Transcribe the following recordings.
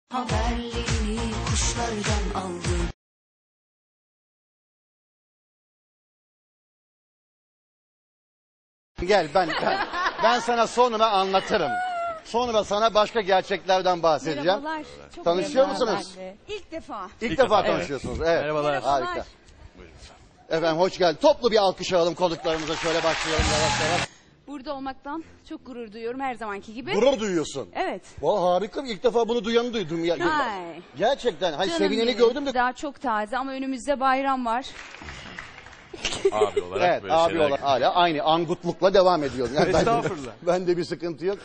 Haberlerini kuşlardan aldım. Gel ben sana sonra anlatırım. Sonra sana başka gerçeklerden bahsedeceğim. Merhabalar. Çok Tanışıyor memnun musunuz? ben de. İlk defa. İlk defa tanışıyorsunuz. Evet. Merhabalar. Harika. Efendim hoş geldin. Toplu bir alkış alalım konuklarımıza. Şöyle başlayalım yavaş yavaş. Burada olmaktan çok gurur duyuyorum her zamanki gibi. Gurur duyuyorsun. Evet. Vallahi harika. İlk defa bunu duyanı duydum. Ay. Gerçekten. Hani Canım sevineni benim. gördüm de. Daha çok taze ama önümüzde bayram var. Abi olarak Evet böyle abi şeyler. olarak hala aynı angutlukla devam ediyorum. Yani Estağfurullah. Bende bir sıkıntı yok.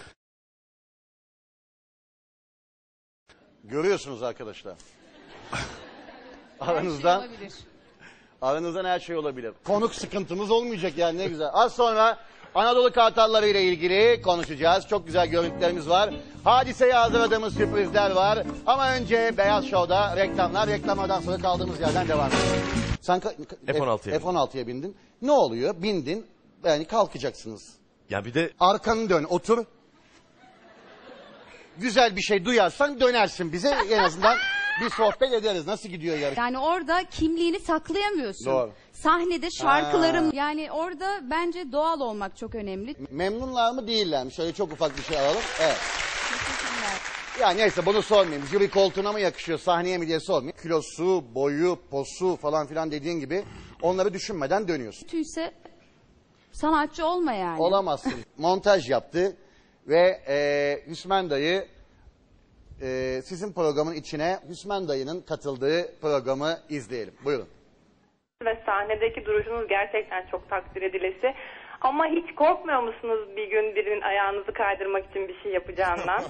Görüyorsunuz arkadaşlar. Aranızdan, Her şey olabilir. aranızdan her şey olabilir. Konuk sıkıntımız olmayacak yani ne güzel. Az sonra Anadolu Kartalları ile ilgili konuşacağız. Çok güzel görüntülerimiz var. Hadiseye hazırladığımız sürprizler var. Ama önce Beyaz Show'da reklamlar. Reklamlardan sonra kaldığımız yerden devam edelim. Sen F-16'ya F-16'ya bindin. Ne oluyor? Bindin. Yani kalkacaksınız. Ya bir de Arkanı dön, otur. Güzel bir şey duyarsan dönersin bize. En azından bir sohbet ederiz. Nasıl gidiyor yarış? Yani orada kimliğini saklayamıyorsun. Doğru. Sahnede şarkılarım yani orada bence doğal olmak çok önemli. Memnunlar mı değiller mi? Şöyle çok ufak bir şey alalım. Evet. Ya neyse bunu sormayayım. Jüri koltuğuna mı yakışıyor, sahneye mi diye sormayayım. Kilosu, boyu, posu falan filan dediğin gibi onları düşünmeden dönüyorsun. Kötüyse sanatçı olma yani. Olamazsın. Montaj yaptı ve Hüsmen Dayı sizin programın içine Hüsmen Dayı'nın katıldığı programı izleyelim. Buyurun. Ve sahnedeki duruşunuz gerçekten çok takdir edilesi. Ama hiç korkmuyor musunuz bir gün birinin ayağınızı kaydırmak için bir şey yapacağından?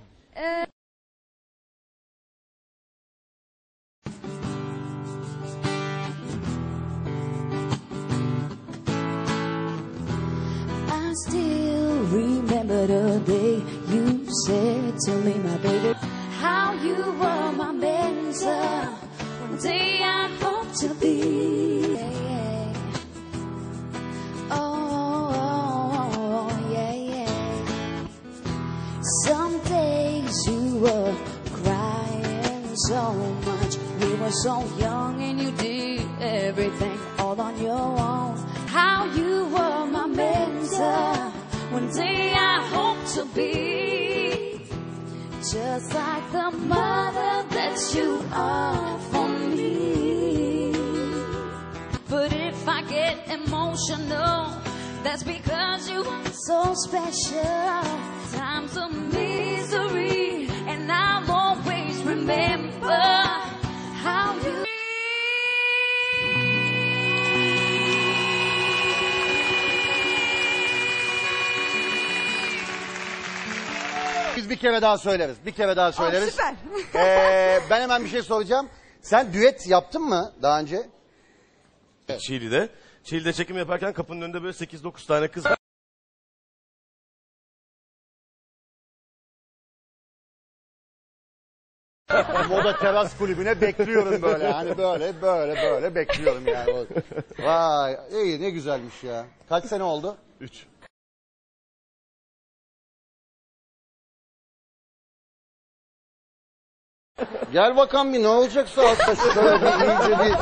I still remember the day you said to me, my baby, how you were my mentor. One day I hope to be. Oh, yeah, yeah. Some days you were crying so much. We were so young and you did everything all on your own. How you were my mentor. One day I hope to be just like the mother that you are for me. But if I get emotional, that's because you are so special. Times of misery, and I'll always remember how you. Biz bir kere daha söyleriz. Bir kere daha söyleriz. süper. Ben hemen bir şey soracağım. Sen düet yaptın mı daha önce? Çiğli'de. Çiğli'de çekim yaparken kapının önünde böyle 8-9 tane kız var. Moda Teras Kulübü'ne bekliyorum böyle. Hani böyle bekliyorum yani. Vay iyi ne güzelmiş ya. Kaç sene oldu? 3. Gel bakalım bir ne olacaksa altta şöyle bir iyice bir...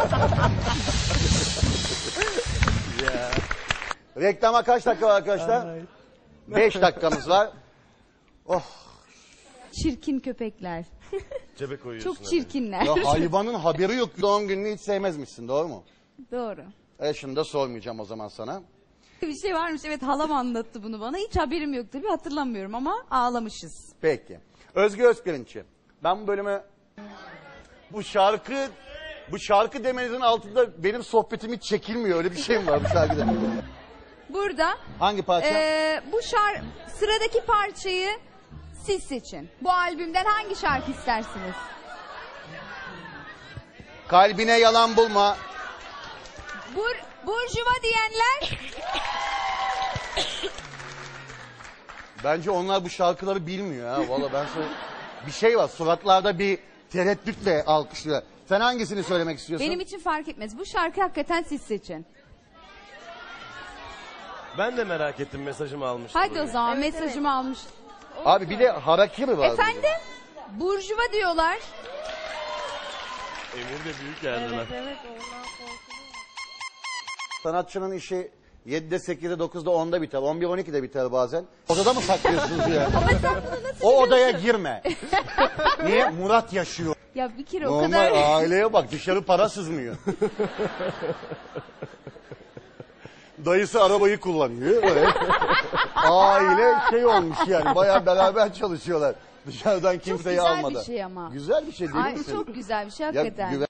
Reklama kaç dakika var arkadaşlar? 5 dakikamız var. Oh Çirkin köpekler. Cebe koyuyorsun. Çok çirkinler. ya hayvanın haberi yok. Doğum gününü hiç sevmezmişsin doğru mu? Doğru. Şunu da sormayacağım o zaman sana. Bir şey varmış, evet, halam anlattı bunu bana. Hiç haberim yok tabii, hatırlamıyorum ama ağlamışız. Peki. Özgür Özpirinççi. Ben bu bölümü... Bu şarkı demenizin altında benim sohbetim hiç çekilmiyor. Öyle bir şey mi var bu şarkıda? Burada Hangi parça? bu sıradaki parçayı siz seçin. Bu albümden hangi şarkı istersiniz? Kalbine yalan bulma. Burjuva diyenler? Bence onlar bu şarkıları bilmiyor ha. Vallahi ben sana... Bir şey var suratlarda bir tereddütle alkışlıyor. Sen hangisini söylemek istiyorsun? Benim için fark etmez. Bu şarkı hakikaten siz seçin. Ben de merak ettim, mesajımı almıştım. Hadi o zaman mesajımı almış. Abi bir de harakiri var. Efendim? Burjuva diyorlar. Emir de büyük geldiler. Evet ondan korkuluyor. Sanatçının işi 7'de, 8'de, 9'da, 10'da biter. 11, 12'de biter bazen. Odada mı saklıyorsunuz ya? O odaya girme. Niye? Murat yaşıyor. Ya bir kere o Normal kadar... aileye bak, dışarı para sızmıyor. Dayısı arabayı kullanıyor. Böyle. Aile şey olmuş yani, bayağı beraber çalışıyorlar. Dışarıdan kimseyi güzel bir almadan. şey ama. Güzel bir şey değil Ay, misin? çok güzel bir şey Ya hakikaten. güven-